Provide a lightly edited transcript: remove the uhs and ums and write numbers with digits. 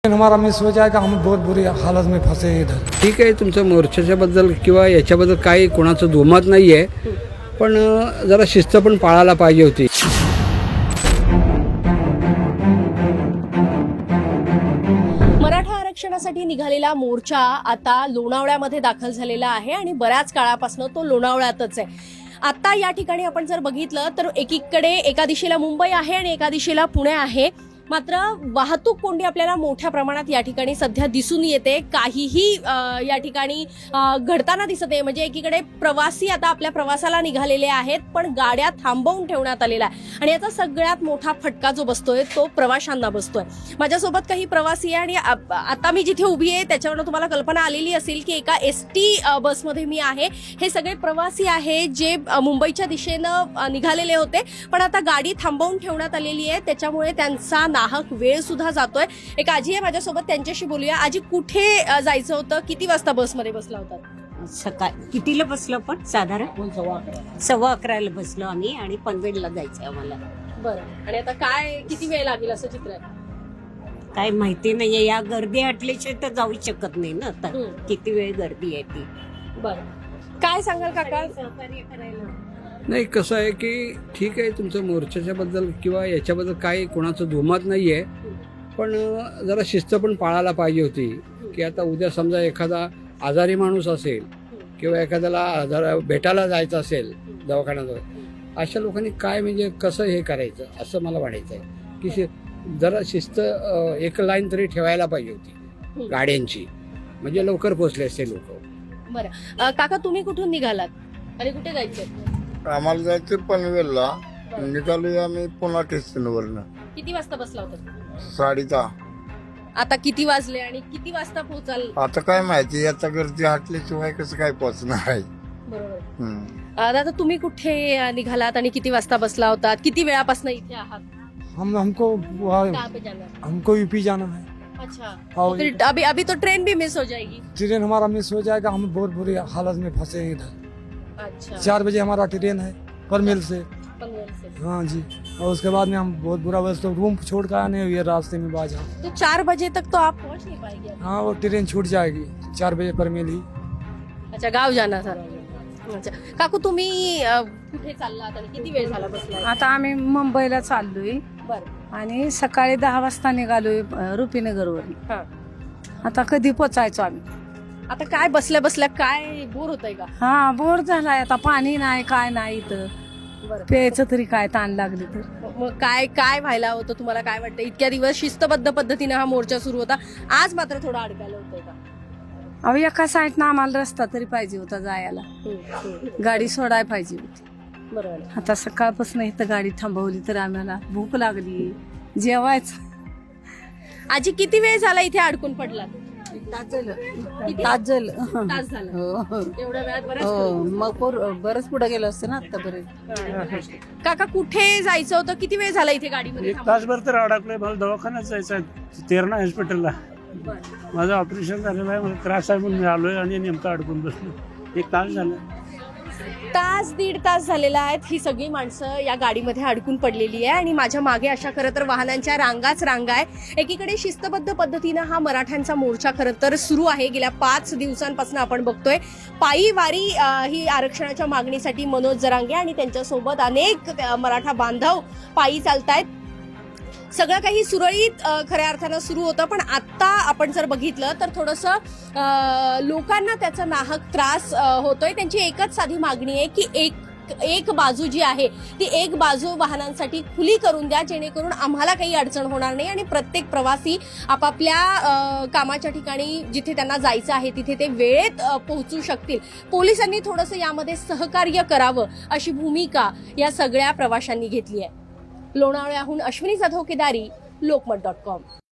हमारा मिस हो जाएगा, हम बहुत बुरी हालत में फंसे हैं इधर। ठीक आहे, तुमचं मोर्चाच्याबद्दल किंवा याच्याबद्दल काही कोणाचं दुमत नाही आहे, पण जरा शिस्त पण पाळायला पाहिजे होती. मराठा आरक्षणासाठी निघालेला मोर्चा आता लोणावळ्यामध्ये दाखल झालेला आहे आणि बऱ्याच काळापासून तो लोणावळ्यातच आहे. आता या ठिकाणी आपण जर बघितलं तर एकीकडे एका दिशेला मुंबई आहे आणि एका दिशेला पुणे आहे. मात्र वाहतूक कोंडी आपल्याला मोठ्या प्रमाणात या ठिकाणी सध्या दिसून येते. काहीही या ठिकाणी घडताना दिसत आहे. म्हणजे एकीकडे प्रवासी आता आपल्या प्रवासाला निघालेले आहेत, पण गाड्या थांबवून ठेवण्यात आलेल्या आहे आणि याचा सगळ्यात मोठा फटका जो बसतोय तो प्रवाशांना बसतोय. माझ्यासोबत काही प्रवासी आहे आणि आता मी जिथे उभी आहे त्याच्यावरून तुम्हाला कल्पना आलेली असेल की एका एसटी बसमध्ये मी आहे. हे सगळे प्रवासी आहे जे मुंबईच्या दिशेनं निघालेले होते, पण आता गाडी थांबवून ठेवण्यात आलेली आहे. त्याच्यामुळे त्यांचा नाहक वेळ सुद्धा जातोय. एक आजी आहे माझ्यासोबत, त्यांच्याशी बोलूया. आजी, कुठे जायचं होतं? किती वाजता बसमध्ये बसला होता? सकाळी कितीला बसलो पण साधारण 11:15 बसलो आम्ही आणि पनवेलला जायचं आम्हाला. बरं, आणि आता काय किती वेळ लागेल असं चित्र आहे? काय माहिती नाहीये, या गर्दी हटल्याशिवाय तर जाऊ शकत नाही ना. आता किती वेळ गर्दी आहे ती. बरं, काय सांगाल काका? सहकार्य करायला नाही, कसं आहे की ठीक आहे, तुमचं मोर्चाच्याबद्दल किंवा याच्याबद्दल काही कोणाचं दुमत नाही आहे, पण जरा शिस्त पण पाळायला पाहिजे होती. की आता उद्या समजा एखादा आजारी माणूस असेल किंवा एखाद्याला जरा भेटायला जायचं असेल दवाखान्यात, अशा लोकांनी काय म्हणजे कसं हे करायचं असं मला वाटायचं आहे की जरा शिस्त एक लाईन तरी ठेवायला पाहिजे होती गाड्यांची, म्हणजे लवकर पोहोचले असते लोक. बरं काका, तुम्ही कुठून निघालात आणि कुठे जायचं? आम्हाला जायचं पनवेलला. निघालो आम्ही पुन्हा स्टेशनवरनं किती वाजता बसला होता? 10:30. आता किती वाजले आणि किती वाजता पोहोचाल? आता काय माहिती, आता गर्दी हटल्याशिवाय कसं काय पोहोचणार आहे. बरोबर. दादा, तुम्ही कुठे निघालात आणि किती वाजता बसला होतात? किती वेळापासून इथे आहात? हमको कहाँ पे जाना है? हमको यूपी जाना है। अच्छा, हाँ, तो फिर अभी तो ट्रेन भी मिस हो जाएगी. ट्रेन हमारा मिस हो जाएगा, हम बहुत बुरी हालत में फंसे हैं इधर। अच्छा, 4 बजे हमारा ट्रेन है पनवेल से। पनवेल से. हाँ जी, और उसके बाद में हम बहुत बुरा बस तो रूम छोड़ कर आने हुए रास्ते में बाजा। तो 4 बजे तक तो आप पहुंच नहीं पाएंगे. हाँ, वो ट्रेन छूट जाएगी 4 बजे पनवेल ही। अच्छा, गाव जाना था. अच्छा काकू, तुम्ही कुठे चाललात आणि किती वेळ झाला बसला? आता आम्ही मुंबईला चाललोय बरं. आणि सकाळी 10 वाजता निघालोय रुपीनगरवरून. हा, आता कधी पोचायचो आम्ही? आता काय बसल्या बसल्या काय बोर होतंय का? हा, बोर झालाय. आता पाणी नाही, काय नाही इथं. बरं. प्यायचं तरी काय ताण लागली तर. मग काय काय व्हायला होतं? तुम्हाला काय वाटतं? इतक्या दिवस शिस्तबद्ध पद्धतीने हा मोर्चा सुरू होता, आज मात्र थोडं अडकायला होतंय का? अहो, एका साईडनं आम्हाला रस्ता तरी पाहिजे होता जायला, गाडी सोडायला पाहिजे होती. बरोबर. आता सकाळपासून इथं गाडी थांबवली तर आम्हाला भूक लागली, जेवायचं. आजी, किती वेळ झाला इथे अडकून पडला? तास झालं. तास झाला. हो, एवढ्या वेळात हो. बरं. मग बरंच पुढे गेलो असतं ना आतापर्यंत. काका, कुठे जायचं होतं? किती वेळ झाला इथे गाडीमध्ये? एक तासभर तर अडकलोय. मला दवाखान्यात जायचं आहे, तेरणा हॉस्पिटलला. माझं ऑपरेशन झालेलं आहे, मला त्रास आहे म्हणून मी आलोय आणि नेमकं अडकून बसलो. 1 तास झालं. दीड तास झालेला आहे. ही सगळी माणसं या गाडीमध्ये अडकून पडलेली आहे आणि माझ्या मागे अशा खरं तर वाहनांच्या रांगाच रांगा आहे. एकीकडे शिस्तबद्ध पद्धतीनं हा मराठ्यांचा मोर्चा खरं तर सुरू आहे. गेल्या 5 दिवसांपासून आपण बघतोय पायी वारी ही आरक्षणाच्या मागणीसाठी मनोज जरांगे आणि त्यांच्यासोबत अनेक मराठा बांधव पायी चालतायत. सगळं काही सुरळीत खऱ्या अर्थानं सुरू होतं, पण आत्ता आपण जर बघितलं तर थोडंसं लोकांना त्याचा नाहक त्रास होतोय. त्यांची एकच साधी मागणी आहे की एक बाजू जी आहे ती एक बाजू वाहनांसाठी खुली करून द्या, जेणेकरून आम्हाला काही अडचण होणार नाही आणि प्रत्येक प्रवासी आपापल्या कामाच्या ठिकाणी जिथे त्यांना जायचं आहे तिथे ते वेळेत पोहोचू शकतील. पोलिसांनी थोडंसं यामध्ये सहकार्य करावं अशी भूमिका या सगळ्या प्रवाशांनी घेतली आहे. लोणावळ्याहून अश्विनी जाधव केदारी, लोकमत.com.